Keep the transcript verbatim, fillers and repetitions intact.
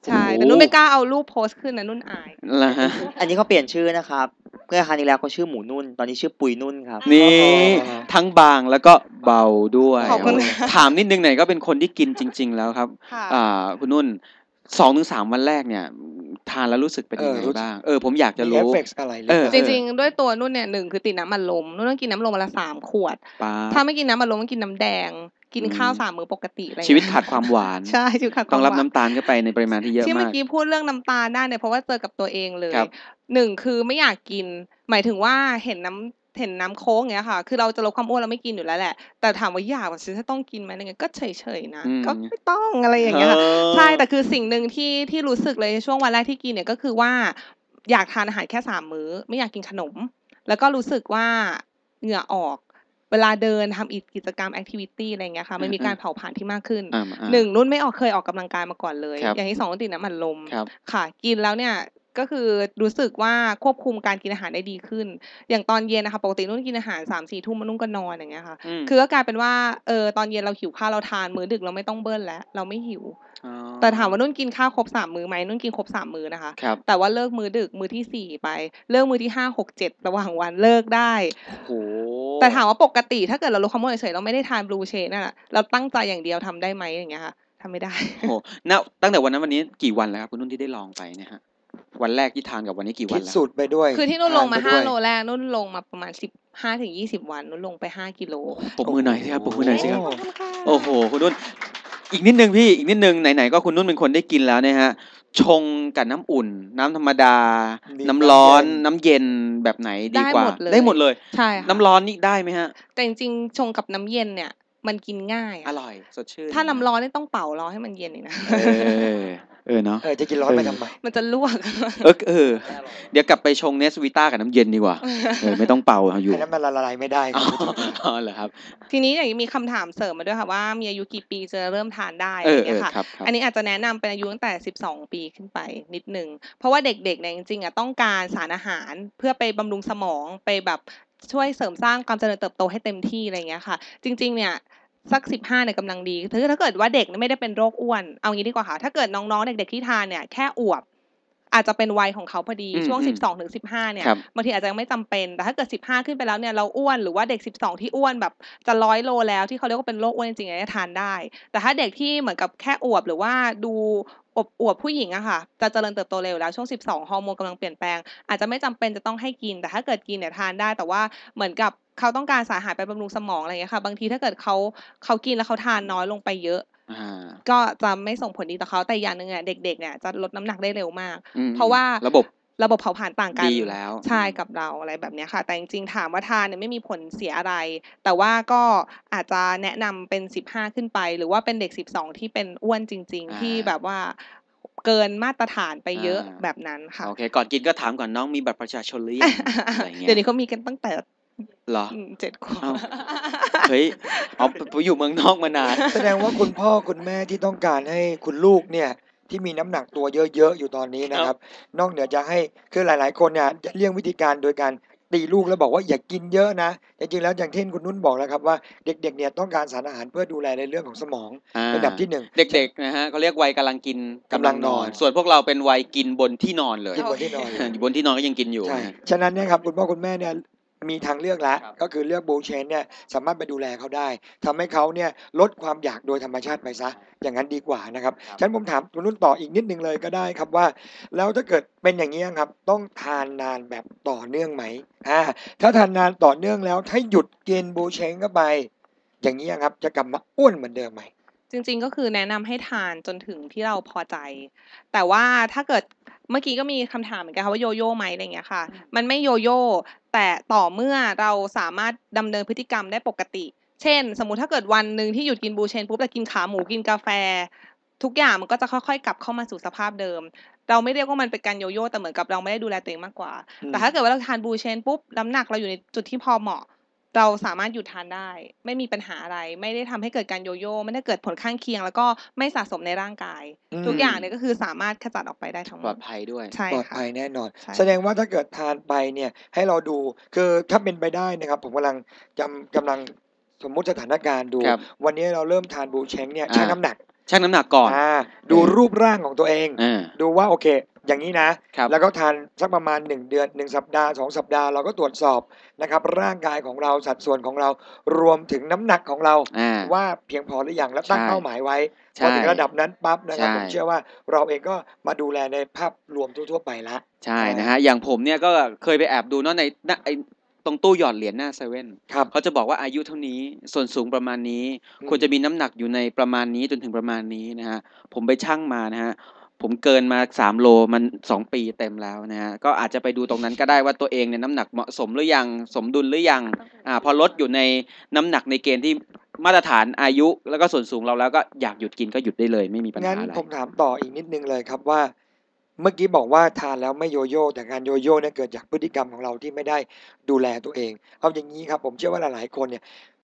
ใช่แต่นุ่นไม่กล้าเอารูปโพสต์ขึ้นนะนุ่นอายล่ะฮะอันนี้เขาเปลี่ยนชื่อนะครับเมื่อครั้งที่แล้วเขาชื่อหมูนุ่นตอนนี้ชื่อปุยนุ่นครับนี่ทั้งบางแล้วก็เบาด้วยขอบคุณถามนิดนึงหน่อยก็เป็นคนที่กินจริงๆแล้วครับอ่าคุณนุ่นสองถึงสามวันแรกเนี่ยทานแล้วรู้สึกเป็นยังไงบ้างเออผมอยากจะรู้จริงๆด้วยตัวนุ่นเนี่ยหนึ่งคือติดน้ำอัดลมนุ่นต้องกินน้ำลมวันละสามขวดถ้าไม่กินน้ำอัดลมต้องกินน้ำแดงกินข้าวสามมื้อปกติอะไรชีวิตขาดความหวานใช่ชีวิตขาดความหวานต้องรับน้ำตาลเข้าไปในปริมาณที่เยอะมากที่เมื่อกี้พูดเรื่องน้ำตาลได้เนี่ยเพราะว่าเจอกับตัวเองเลยหนึ่งคือไม่อยากกินหมายถึงว่าเห็นน้ำเห็นน้ำโค้งอย่างเงี้ยค่ะคือเราจะลดความอ้วนเราไม่กินอยู่แล้วแหละแต่ถามว่าอยากว่าฉันจะต้องกินไหมอะไรเงี้ยก็เฉยๆนะก็ไม่ต้องอะไรอย่างเงี้ยใช่แต่คือสิ่งหนึ่งที่ที่รู้สึกเลยช่วงวันแรกที่กินเนี่ยก็คือว่าอยากทานอาหารแค่สามมื้อไม่อยากกินขนมแล้วก็รู้สึกว่าเหงื่อออกเวลาเดินทำอีกกิจกรรมแอคทิวิตี้อะไรเงี้ยค่ะมันมีการเผาผลาญที่มากขึ้นหนึ่งนุ่นไม่ออกเคยออกกำลังกายมาก่อนเลยอย่างที่สองนุ่นติดน้ำมันลมค่ะกินแล้วเนี่ยก็คือรู้สึกว่าควบคุมการกินอาหารได้ดีขึ้นอย่างตอนเย็นนะคะปกตินุ่นกินอาหาร สามสี่ ทุ่มนุ่นก็นอนอย่างเงี้ยค่ะคือก็กลายเป็นว่าเออตอนเย็นเราหิวข้าวเราทานมื้อดึกเราไม่ต้องเบิ้ลแล้วเราไม่หิวแต่ถามว่านุ่นกินข้าวครบสามมื้อไหมนุ่นกินครบสามมื้อนะคะแต่ว่าเลิกมื้อดึกมื้อที่สี่ไปเลิกมื้อที่ห้า หก เจ็ดระหว่างวันเลิกได้แต่ถามว่าปกติถ้าเกิดเราลดความอ้วนเฉยๆเราไม่ได้ทานบลูเชนน่ะเราตั้งใจอย่างเดียวทำได้ไหมอย่างเงี้ยค่ะทำไม่ได้โอ้ณตั้งแต่วันนั้นวันนี้กี่วันแล้วครับคุณนุ่นที่ได้ลองไปเนี่ยฮะวันแรกที่ทานกับวันนี้กี่วันแล้วคิดสูตรไปด้วยคือที่นุ่นลงมาห้าโลแรกนุ่นลงมาประมาณสิบห้าถึงยี่สิบวันนุ่นลงไปห้ากิโลปรบมือหน่อยสิครับปรบมือหน่อยสิครับโอ้โหคุณนุ่นอีกนิดนึงพี่อีกนิดนึงไหนๆก็คุณนุ่นเป็นคนได้กินแล้วเนี่ยฮะชงกับน้ำอุ่นน้ำธรรมดาน้ำร้อนน้ำเย็นแบบไหนดีกว่าได้หมดเลยใช่น้ำร้อนนี่ได้ไหมฮะแต่จริงๆชงกับน้ำเย็นเนี่ยมันกินง่ายอร่อยสดชื่นถ้าน้ำร้อนนี่ต้องเป่ารอให้มันเย็นอีกนะเออเออเนาะเออจะกินร้อนไปทำไมมันจะลวกเออเออเดี๋ยวกลับไปชงเนสวิต้ากับน้ำเย็นดีกว่าเออไม่ต้องเป่าอยู่น้ำมันละลายไม่ได้อ๋อเหรอครับทีนี้อย่างมีคำถามเสริมมาด้วยค่ะว่ามีอายุกี่ปีจะเริ่มทานได้อะไรอย่างเงี้ยค่ะอันนี้อาจจะแนะนำเป็นอายุตั้งแต่สิบสองปีขึ้นไปนิดนึงเพราะว่าเด็กๆเนี่ยจริงๆอ่ะต้องการสารอาหารเพื่อไปบำรุงสมองไปแบบช่วยเสริมสร้างความเจริญเติบโตให้เต็มที่อะไรอย่างเงี้ยค่ะจริงๆเนี่ยสักสิบห้าเนี่ยกำลังดีคือถ้าเกิดว่าเด็กไม่ได้เป็นโรคอ้วนเอางี้ดีกว่าค่ะถ้าเกิดน้องๆเด็กๆที่ทานเนี่ยแค่อวบอาจจะเป็นวัยของเขาพอดีช่วงสิบสองถึงสิบห้าเนี่ยบางทีอาจจะยังไม่จำเป็นแต่ถ้าเกิดสิบห้าขึ้นไปแล้วเนี่ยเราอ้วนหรือว่าเด็กสิบสองที่อ้วนแบบจะร้อยโลแล้วที่เขาเรียกว่าเป็นโรคอ้วนจริงๆเนี่ยทานได้แต่ถ้าเด็กที่เหมือนกับแค่อวบหรือว่าดูอบอวบผู้หญิงอะค่ะจะเจริญเติบโตเร็วแล้วช่วงสิบสองฮอร์โมนกำลังเปลี่ยนแปลงอาจจะไม่จำเป็นจะต้องให้กินแต่ถ้าเกิดกินเนี่ยทานได้แต่ว่าเหมือนกับเขาต้องการสารอาหารไปบำรุงสมองอะไรอย่างเงี้ยค่ะบางทีถ้าเกิดเขาเขากินแล้วเขาทานน้อยลงไปเยอะก็จะไม่ส่งผลดีต่อเขาแต่อย่างนึงเนี่ยเด็กๆเนี่ยจะลดน้ำหนักได้เร็วมากเพราะว่าระบบระบบเผาผลาญต่างกันดีอยู่แล้วใช่กับเราอะไรแบบนี้ค่ะแต่จริงๆถามว่าทานเนี่ยไม่มีผลเสียอะไรแต่ว่าก็อาจจะแนะนำเป็นสิบห้าขึ้นไปหรือว่าเป็นเด็กสิบสองที่เป็นอ้วนจริงๆที่แบบว่าเกินมาตรฐานไปเยอะแบบนั้นค่ะโอเคก่อนกินก็ถามก่อนน้องมีบัตรประชาชนหรือยังอะไรเงี้ยเดี๋ยวนี้เขามีกันตั้งแต่เหรอเจ็ดขวบเฮ้ยอ๋อไปอยู่เมืองนอกมานานแสดงว่าคุณพ่อคุณแม่ที่ต้องการให้คุณลูกเนี่ยที่มีน้ำหนักตัวเยอะๆอยู่ตอนนี้นะครับนอกเหนือจะให้คือหลายๆคนเนี่ยเลี่ยงวิธีการโดยการตีลูกแล้วบอกว่าอย่ากินเยอะนะจริงๆแล้วอย่างที่คุณนุ่นบอกแล้วครับว่าเด็กๆเนี่ยต้องการสารอาหารเพื่อดูแลในเรื่องของสมองเป็นอันดับที่หนึ่งเด็กๆนะฮะเขาเรียกวัยกำลังกินกำลังนอนส่วนพวกเราเป็นวัยกินบนที่นอนเลยกินบนที่นอนอยู่บนที่นอนก็ยังกินอยู่ใช่ฉะนั้นเนี่ยครับคุณพ่อคุณแม่เนี่ยมีทางเลือกแล้วก็คือเลือกบูเชนเนี่ยสามารถไปดูแลเขาได้ทำให้เขาเนี่ยลดความอยากโดยธรรมชาติไปซะอย่างนั้นดีกว่านะครับฉันผมถามคุณนุ่นต่ออีกนิดนึงเลยก็ได้ครับว่าแล้วถ้าเกิดเป็นอย่างนี้ครับต้องทานนานแบบต่อเนื่องไหมอ่าถ้าทานนานต่อเนื่องแล้วถ้าหยุดกินบูเชนเข้าไปอย่างนี้ครับจะกลับมาอ้วนเหมือนเดิมไหมจริงๆก็คือแนะนำให้ทานจนถึงที่เราพอใจแต่ว่าถ้าเกิดเมื่อกี้ก็มีคำถามเหมือนกันค่ะว่าโยโย่ไหมอะไรอย่างเงี้ยค่ะมันไม่โยโย่แต่ต่อเมื่อเราสามารถดำเนินพฤติกรรมได้ปกติเช่นสมมุติถ้าเกิดวันนึงที่หยุดกินบูเชนปุ๊บแต่กินขาหมูกินกาแฟทุกอย่างมันก็จะค่อยๆกลับเข้ามาสู่สภาพเดิมเราไม่เรียกว่ามันเป็นการโยโย่แต่เหมือนกับเราไม่ได้ดูแลตัวเองมากกว่าแต่ถ้าเกิดว่าเราทานบูเชนปุ๊บน้ำหนักเราอยู่ในจุดที่พอเหมาะเราสามารถหยุดทานได้ไม่มีปัญหาอะไรไม่ได้ทำให้เกิดการโยโย่ไม่ได้เกิดผลข้างเคียงแล้วก็ไม่สะสมในร่างกายทุกอย่างเนี่ยก็คือสามารถขจัดออกไปได้ทั้งหมดปลอดภัยด้วยใช่ปลอดภัยแน่นอนแสดงว่าถ้าเกิดทานไปเนี่ยให้เราดูคือถ้าเป็นไปได้นะครับผมกำลังจำกำลังสมมุติสถานการณ์ดูครับวันนี้เราเริ่มทานบูเชงเนี่ยอ่าชั่งน้ำหนักชั่งน้ำหนักก่อนอ่าดูเออรูปร่างของตัวเองอาดูว่าโอเค อย่างงี้นะครับแล้วก็ทานสักประมาณ หนึ่ง เดือน หนึ่ง สัปดาห์ สอง สัปดาห์ เราก็ตรวจสอบนะครับร่างกายของเรา สัดส่วนของเรา รวมถึงน้ำหนักของเราอาว่าเพียงพอหรือยัง และตั้งใช่เป้าหมายไว้ใชพอถึงระดับนั้นปั๊บนะครับใช่ผมเชื่อว่าเราเองก็มาดูแลในภาพรวมทั่ว ๆ ไปแล้วใช่อานะฮะ อย่างผมเนี่ยก็เคยไปแอบดูเนาะใน ณ ไอ้ ตรงตู้หยอดเหรียญหน้าเซเว่นครับเขาจะบอกว่าอายุเท่านี้ ส่วนสูงประมาณนี้อืควรจะมมีน้ำหนักอยู่ในประมาณนี้จนถึงประมาณนี้นะครับ ผมไปชั่งมานะครับ ผมเกินมา สาม โล มัน สอง ปีเต็มแล้วนะครับ ก็อาจจะไปดูตรงนั้นก็ได้ว่าตัวเองเนี่ยน้ำหนักเหมาะสมหรือยัง สมดุลหรือยัง อ่า พอลดอยู่ในน้ำหนักในเกณฑ์ที่มาตรฐานอายุ แล้วก็ส่วนสูงเราแล้ว ก็อยากหยุดกินก็หยุดได้เลย ไม่มีปัญงั้หาน อะไรผมถามต่ออีกนิดหนึ่งเลยครับว่า เมื่อกี้บอกว่าทานแล้วไม่โยโย่ แต่การโยโย่เนี่ยเกิดจากพฤติกรรมของเราที่ไม่ได้ดูแลตัวเอง เอาอย่างงี้ครับ ผมเชื่อว่าหลาย ๆ คนเนี่ย